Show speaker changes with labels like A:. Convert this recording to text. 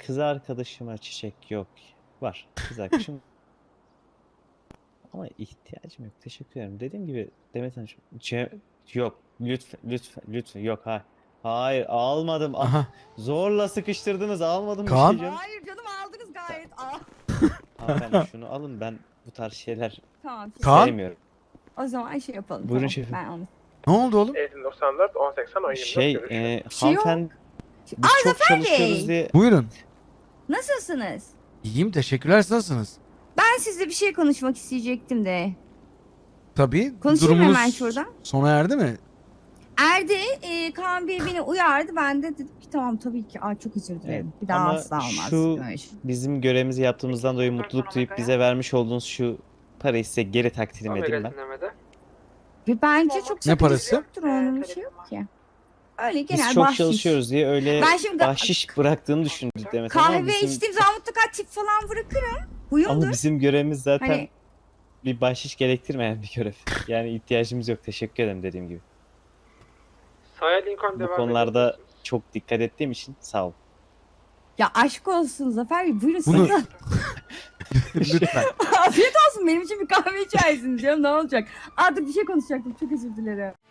A: kız arkadaşıma çiçek yok. Var. Kız arkadaşım. Ama ihtiyacım yok. Teşekkür ederim. Dediğim gibi Demet Hanım. Yok. Lütfen. Yok. Hayır. Almadım.
B: Aha.
A: Zorla sıkıştırdınız. Almadım bir
B: Kaan.
A: şey canım.
C: Hayır canım aldınız gayet.
A: Hanımefendi şunu alın. Ben bu tarz şeyler
C: Tamam.
B: Kaan.
A: sevmiyorum.
C: O zaman şey yapalım.
A: Buyurun
C: tamam.
A: şefim.
C: Ben onu.
B: Ne oldu oğlum?
D: 94, 1080, 1024
A: Şey,
D: görüşürüz.
C: şey yok.
A: hanımefendi biz çok çalışıyoruz
C: Bey.
A: diye.
B: Buyurun.
C: Nasılsınız?
B: İyiyim, teşekkürler. Siz nasılsınız?
C: Ben sizle bir şey konuşmak isteyecektim de.
B: Tabii.
C: Konuşayım
B: Durumunuz
C: hemen şuradan.
B: sona erdi mi?
C: Erdi, Kaan Bey beni uyardı. Ben de dedim ki tamam tabii ki. Çok özür dilerim. Bir daha
A: Ama
C: asla olmaz.
A: şu
C: Böyle şey.
A: bizim görevimizi yaptığımızdan dolayı mutluluk duyup bize vermiş olduğunuz şu parayı size geri takdim edeyim ben.
C: Ve bence çok
B: Ne
C: sakıncası
B: parası?
C: yoktur onun bir şey yok ki. Öyle genel
A: Biz çok
C: bahşiş.
A: çalışıyoruz diye öyle
C: Ben şimdi
A: bahşiş bıraktığını düşündük Demet Hanım ama
C: kahve
A: bizim,
C: içtiğim zaman mutlaka tip falan bırakırım. Huyumdur.
A: ama bizim görevimiz zaten
C: Hani
A: bir bahşiş gerektirmeyen bir görev. Yani ihtiyacımız yok. Teşekkür ederim dediğim gibi.
D: Saya Lincoln
A: Bu
D: devam
A: konularda
D: edebilirsiniz.
A: çok dikkat ettiğim için sağ ol.
C: ya aşk olsun Zafer Bey buyurun
B: Bunu-
C: sakın.
B: Lütfen.
C: Afiyet olsun benim için bir kahve içersiniz canım ne olacak. Artık bir şey konuşacaktım çok özür dilerim.